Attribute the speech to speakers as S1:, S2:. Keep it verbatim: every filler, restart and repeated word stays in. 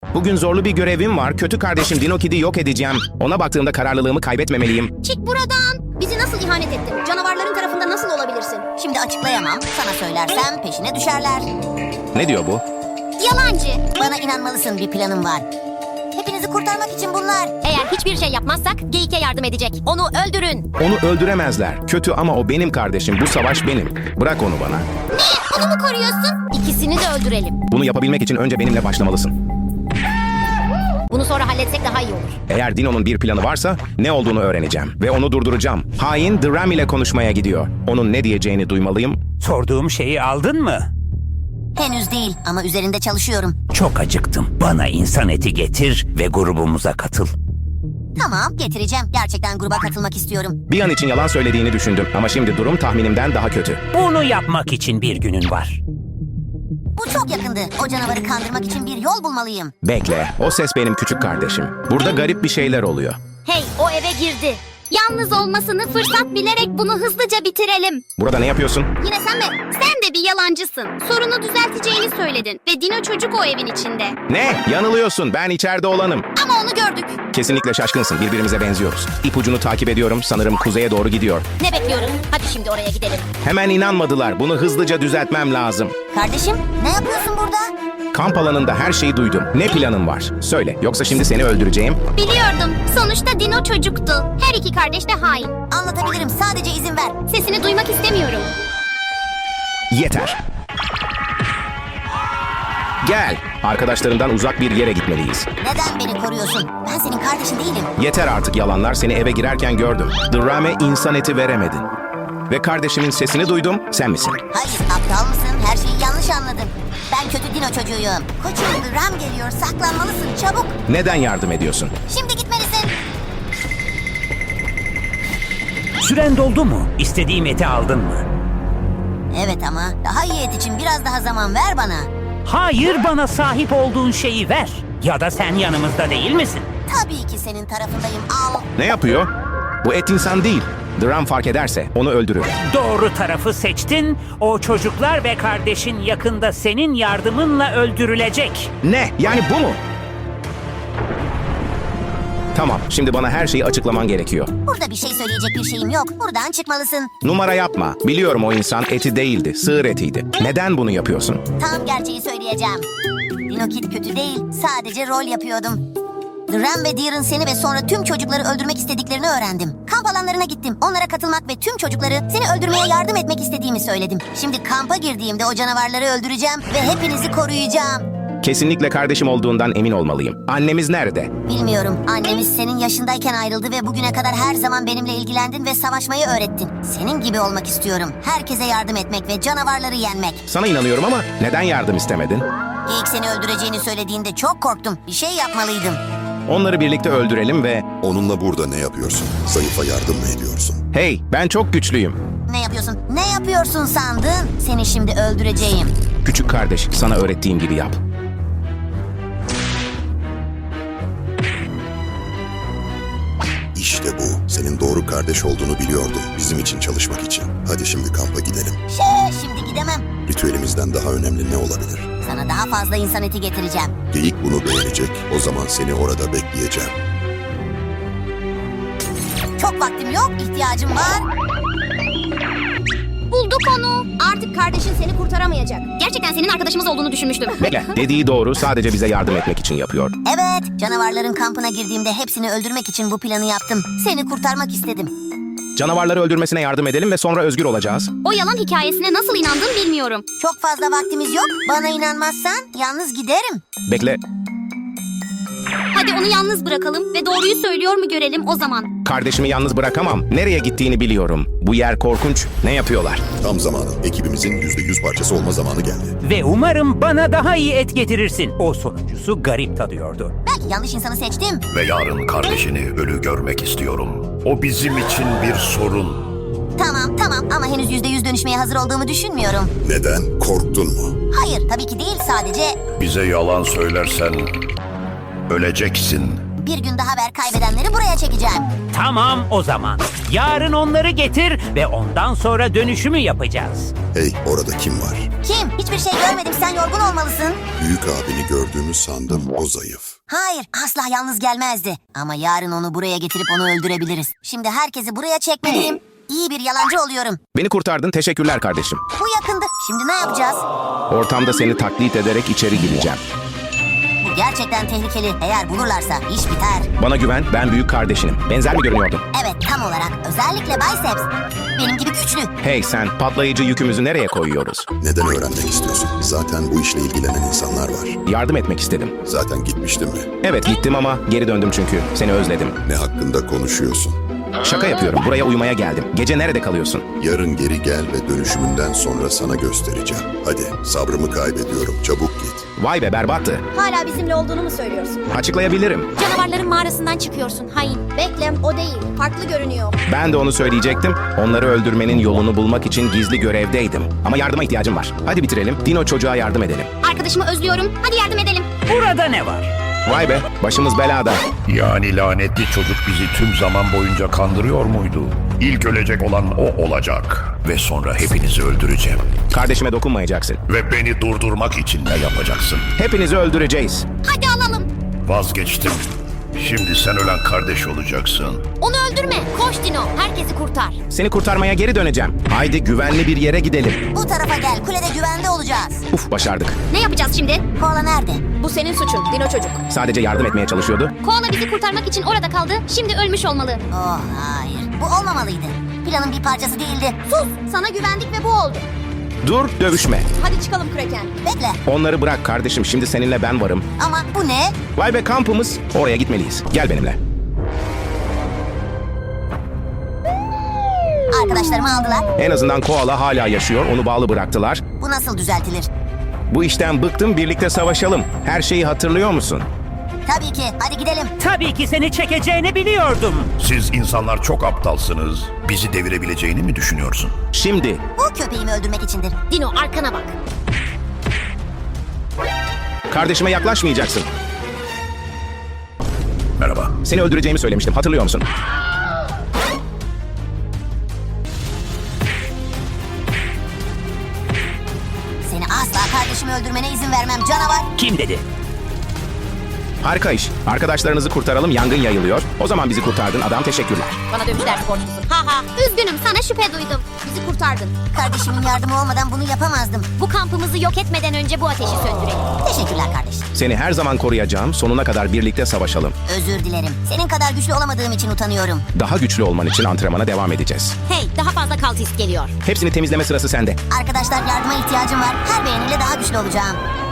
S1: Bugün zorlu bir görevim var. Kötü kardeşim Dino Kid'i yok edeceğim. Ona baktığımda kararlılığımı kaybetmemeliyim.
S2: Çık buradan. Bizi nasıl ihanet ettin? Canavarların tarafında nasıl olabilirsin?
S3: Şimdi açıklayamam. Sana söylersem peşine düşerler.
S1: Ne diyor bu?
S2: Yalancı.
S3: Bana inanmalısın, bir planım var. Hepinizi kurtarmak için bunlar.
S2: Eğer hiçbir şey yapmazsak Geyik'e yardım edecek. Onu öldürün.
S1: Onu öldüremezler. Kötü ama o benim kardeşim. Bu savaş benim. Bırak onu bana.
S2: Ne? Onu mu koruyorsun? İkisini de öldürelim.
S1: Bunu yapabilmek için önce benimle başlamalısın.
S2: Bunu sonra halletsek daha iyi olur.
S1: Eğer Dino'nun bir planı varsa ne olduğunu öğreneceğim. Ve onu durduracağım. Hain Dram ile konuşmaya gidiyor. Onun ne diyeceğini duymalıyım.
S4: Sorduğum şeyi aldın mı?
S3: Henüz değil ama üzerinde çalışıyorum.
S4: Çok acıktım. Bana insan eti getir ve grubumuza katıl.
S3: Tamam, getireceğim. Gerçekten gruba katılmak istiyorum.
S1: Bir an için yalan söylediğini düşündüm. Ama şimdi durum tahminimden daha kötü.
S4: Bunu yapmak için bir günün var.
S3: Bu çok yakındı. O canavarı kandırmak için bir yol bulmalıyım.
S1: Bekle. O ses benim küçük kardeşim. Burada garip bir şeyler oluyor.
S2: Hey, o eve girdi. Yalnız olmasını fırsat bilerek bunu hızlıca bitirelim.
S1: Burada ne yapıyorsun?
S2: Yine sen mi? Sen de bir yalancısın. Sorunu düzelteceğini söyledin. Ve Dino çocuk o evin içinde.
S1: Ne? Yanılıyorsun. Ben içeride olanım.
S2: Ama onu gördük.
S1: Kesinlikle şaşkınsın. Birbirimize benziyoruz. İpucunu takip ediyorum. Sanırım kuzeye doğru gidiyor.
S2: Ne bekliyoruz? Hadi şimdi oraya gidelim.
S1: Hemen inanmadılar. Bunu hızlıca düzeltmem lazım.
S3: Kardeşim, ne yapıyorsun burada?
S1: Kamp alanında her şeyi duydum. Ne planın var? Söyle. Yoksa şimdi seni öldüreceğim.
S2: Biliyordum. Sonuçta Dino çocuktu. Her iki kardeş de hain.
S3: Anlatabilirim, sadece izin ver.
S2: Sesini duymak istemiyorum.
S1: Yeter. Gel. Arkadaşlarından uzak bir yere gitmeliyiz.
S3: Neden beni koruyorsun? Ben senin kardeşin değilim.
S1: Yeter artık yalanlar. Seni eve girerken gördüm. Drame insan eti veremedin. Ve kardeşimin sesini duydum. Sen misin?
S3: Hayır, aptal mısın? Her şeyi yanlış anladın. Ben kötü Dino çocuğuyum. Koçum, Ram geliyor. Saklanmalısın, çabuk.
S1: Neden yardım ediyorsun?
S3: Şimdi gitmelisin.
S4: Süren doldu mu? İstediğim eti aldın mı?
S3: Evet ama daha iyi et için biraz daha zaman ver bana.
S4: Hayır, bana sahip olduğun şeyi ver. Ya da sen yanımızda değil misin?
S3: Tabii ki senin tarafındayım, al.
S1: Ne yapıyor? Bu et insan değil. Dram fark ederse onu öldürür.
S4: Doğru tarafı seçtin. O çocuklar ve kardeşin yakında senin yardımınla öldürülecek.
S1: Ne? Yani bu mu? Tamam, şimdi bana her şeyi açıklaman gerekiyor.
S3: Burada bir şey söyleyecek bir şeyim yok. Buradan çıkmalısın.
S1: Numara yapma. Biliyorum o insan eti değildi, sığır etiydi. Neden bunu yapıyorsun?
S3: Tam gerçeği söyleyeceğim. Dino Kid kötü değil. Sadece rol yapıyordum. Ram ve Deer'ın seni ve sonra tüm çocukları öldürmek istediklerini öğrendim. Kamp alanlarına gittim. Onlara katılmak ve tüm çocukları seni öldürmeye yardım etmek istediğimi söyledim. Şimdi kampa girdiğimde o canavarları öldüreceğim ve hepinizi koruyacağım.
S1: Kesinlikle kardeşim olduğundan emin olmalıyım. Annemiz nerede?
S3: Bilmiyorum. Annemiz senin yaşındayken ayrıldı ve bugüne kadar her zaman benimle ilgilendin ve savaşmayı öğrettin. Senin gibi olmak istiyorum. Herkese yardım etmek ve canavarları yenmek.
S1: Sana inanıyorum ama neden yardım istemedin?
S3: Geyik seni öldüreceğini söylediğinde çok korktum. Bir şey yapmalıydım.
S1: Onları birlikte öldürelim ve...
S5: Onunla burada ne yapıyorsun? Zayıfa yardım mı ediyorsun?
S1: Hey, ben çok güçlüyüm.
S3: Ne yapıyorsun? Ne yapıyorsun sandın? Seni şimdi öldüreceğim.
S1: Küçük kardeş, sana öğrettiğim gibi yap.
S5: İşte bu. Senin doğru kardeş olduğunu biliyordum. Bizim için çalışmak için. Hadi şimdi kampa gidelim.
S3: Şey, şimdi gidemem.
S5: Ritüelimizden daha önemli ne olabilir?
S3: Sana daha fazla insan eti getireceğim.
S5: Geyik bunu beğenecek. O zaman seni orada bekleyeceğim.
S3: Çok vaktim yok, ihtiyacım var.
S2: Bulduk onu. Artık kardeşin seni kurtaramayacak. Gerçekten senin arkadaşımız olduğunu düşünmüştüm.
S1: Bekle, dediği doğru. Sadece bize yardım etmek için yapıyor.
S3: Evet, canavarların kampına girdiğimde hepsini öldürmek için bu planı yaptım. Seni kurtarmak istedim.
S1: Canavarları öldürmesine yardım edelim ve sonra özgür olacağız.
S2: O yalan hikayesine nasıl inandın bilmiyorum.
S3: Çok fazla vaktimiz yok. Bana inanmazsan yalnız giderim.
S1: Bekle,
S2: Hadi onu yalnız bırakalım ve doğruyu söylüyor mu görelim o zaman.
S1: kardeşimi yalnız bırakamam. Nereye gittiğini biliyorum. Bu yer korkunç. Ne yapıyorlar?
S5: Tam zamanı. Ekibimizin yüzde yüz parçası olma zamanı geldi.
S4: Ve umarım bana daha iyi et getirirsin. O sonuncusu garip tadıyordu.
S3: Belki yanlış insanı seçtim.
S6: Ve yarın kardeşini ölü görmek istiyorum. O bizim için bir sorun.
S3: Tamam, tamam ama henüz yüzde yüz dönüşmeye hazır olduğumu düşünmüyorum.
S5: Neden? Korktun mu?
S3: Hayır, tabii ki değil. Sadece
S6: Bize yalan söylersen öleceksin.
S3: Bir gün daha ver, kaybedenleri buraya çekeceğim.
S4: Tamam o zaman. Yarın onları getir ve ondan sonra dönüşümü yapacağız.
S5: Hey, orada kim var?
S3: Kim? Hiçbir şey görmedim, sen yorgun olmalısın.
S5: Büyük abini gördüğümü sandım, o zayıf.
S3: Hayır, asla yalnız gelmezdi. Ama yarın onu buraya getirip onu öldürebiliriz. Şimdi herkesi buraya çekmeliyim. İyi bir yalancı oluyorum.
S1: Beni kurtardın, teşekkürler kardeşim.
S3: Bu yakındı. Şimdi ne yapacağız?
S1: Ortamda seni taklit ederek içeri gireceğim.
S3: Bu gerçekten tehlikeli. Eğer bulurlarsa iş biter.
S1: Bana güven, ben büyük kardeşinim. Benzer mi görünüyordum?
S3: Evet, tam olarak. Özellikle biceps. Benim gibi güçlü.
S1: Hey sen, patlayıcı yükümüzü nereye koyuyoruz?
S5: Neden öğrenmek istiyorsun? Zaten bu işle ilgilenen insanlar var.
S1: Yardım etmek istedim.
S5: Zaten gitmiştin mi?
S1: Evet gittim ama geri döndüm çünkü. Seni özledim.
S5: Ne hakkında konuşuyorsun?
S1: Şaka yapıyorum, buraya uyumaya geldim. Gece nerede kalıyorsun?
S5: Yarın geri gel ve dönüşümünden sonra sana göstereceğim. Hadi, sabrımı kaybediyorum. Çabuk git.
S1: Vay be berbattı.
S7: Hala bizimle olduğunu mu söylüyorsun?
S1: Açıklayabilirim.
S7: Canavarların mağarasından çıkıyorsun hain. Bekle, o değil. Farklı görünüyor.
S1: Ben de onu söyleyecektim. Onları öldürmenin yolunu bulmak için gizli görevdeydim. Ama yardıma ihtiyacım var. Hadi bitirelim. Dino çocuğa yardım edelim.
S2: Arkadaşımı özlüyorum. Hadi yardım edelim.
S4: Burada ne var?
S1: Vay be, başımız belada.
S6: Yani lanetli çocuk bizi tüm zaman boyunca kandırıyor muydu? İlk ölecek olan o olacak. Ve sonra hepinizi öldüreceğim.
S1: Kardeşime dokunmayacaksın.
S6: Ve beni durdurmak için ne yapacaksın?
S1: Hepinizi öldüreceğiz.
S2: Hadi alalım.
S6: Vazgeçtim. Şimdi sen ölen kardeş olacaksın.
S7: Onu öldürme. Koş Dino. Herkesi kurtar.
S1: Seni kurtarmaya geri döneceğim. Haydi güvenli bir yere gidelim.
S3: Bu tarafa gel, kulede güvende olacağız.
S1: Uf başardık.
S2: Ne yapacağız şimdi?
S3: Koala nerede?
S7: Bu senin suçun Dino çocuk.
S1: Sadece yardım etmeye çalışıyordu.
S2: Koala bizi kurtarmak için orada kaldı. Şimdi ölmüş olmalı.
S3: Oh hayır, bu olmamalıydı. Planın bir parçası değildi.
S7: Sus. Sana güvendik ve bu oldu.
S1: Dur dövüşme.
S7: Hadi çıkalım Kraken.
S3: Bekle,
S1: Onları bırak kardeşim. Şimdi seninle ben varım.
S3: ama bu ne?
S1: Vay be kampımız. Oraya gitmeliyiz. Gel benimle.
S3: Arkadaşlarımı aldılar.
S1: En azından koala hala yaşıyor. Onu bağlı bıraktılar.
S3: Bu nasıl düzeltilir?
S1: Bu işten bıktım. Birlikte savaşalım. Her şeyi hatırlıyor musun?
S3: Tabii ki, hadi gidelim.
S4: Tabii ki seni çekeceğini biliyordum.
S6: Siz insanlar çok aptalsınız. Bizi devirebileceğini mi düşünüyorsun?
S1: Şimdi
S3: Bu köpeğimi öldürmek içindir.
S7: Dino arkana bak.
S1: kardeşime yaklaşmayacaksın.
S6: Merhaba.
S1: Seni öldüreceğimi söylemiştim. Hatırlıyor musun?
S3: Seni asla kardeşimi öldürmene izin vermem canavar.
S4: Kim dedi?
S1: Harika iş. Arkadaşlarınızı kurtaralım. Yangın yayılıyor. O zaman bizi kurtardın adam. Teşekkürler.
S7: Bana dövüş dersi borçlusun. Ha ha.
S2: Üzgünüm, sana şüphe duydum.
S7: Bizi kurtardın.
S3: Kardeşimin yardımı olmadan bunu yapamazdım.
S7: Bu kampımızı yok etmeden önce bu ateşi söndürelim.
S3: Teşekkürler kardeşim.
S1: Seni her zaman koruyacağım. Sonuna kadar birlikte savaşalım.
S3: Özür dilerim. Senin kadar güçlü olamadığım için utanıyorum.
S1: Daha güçlü olman için antrenmana devam edeceğiz.
S7: Hey, daha fazla kaltist geliyor.
S1: Hepsini temizleme sırası sende.
S3: Arkadaşlar yardıma ihtiyacım var. Her beğeniyle daha güçlü olacağım.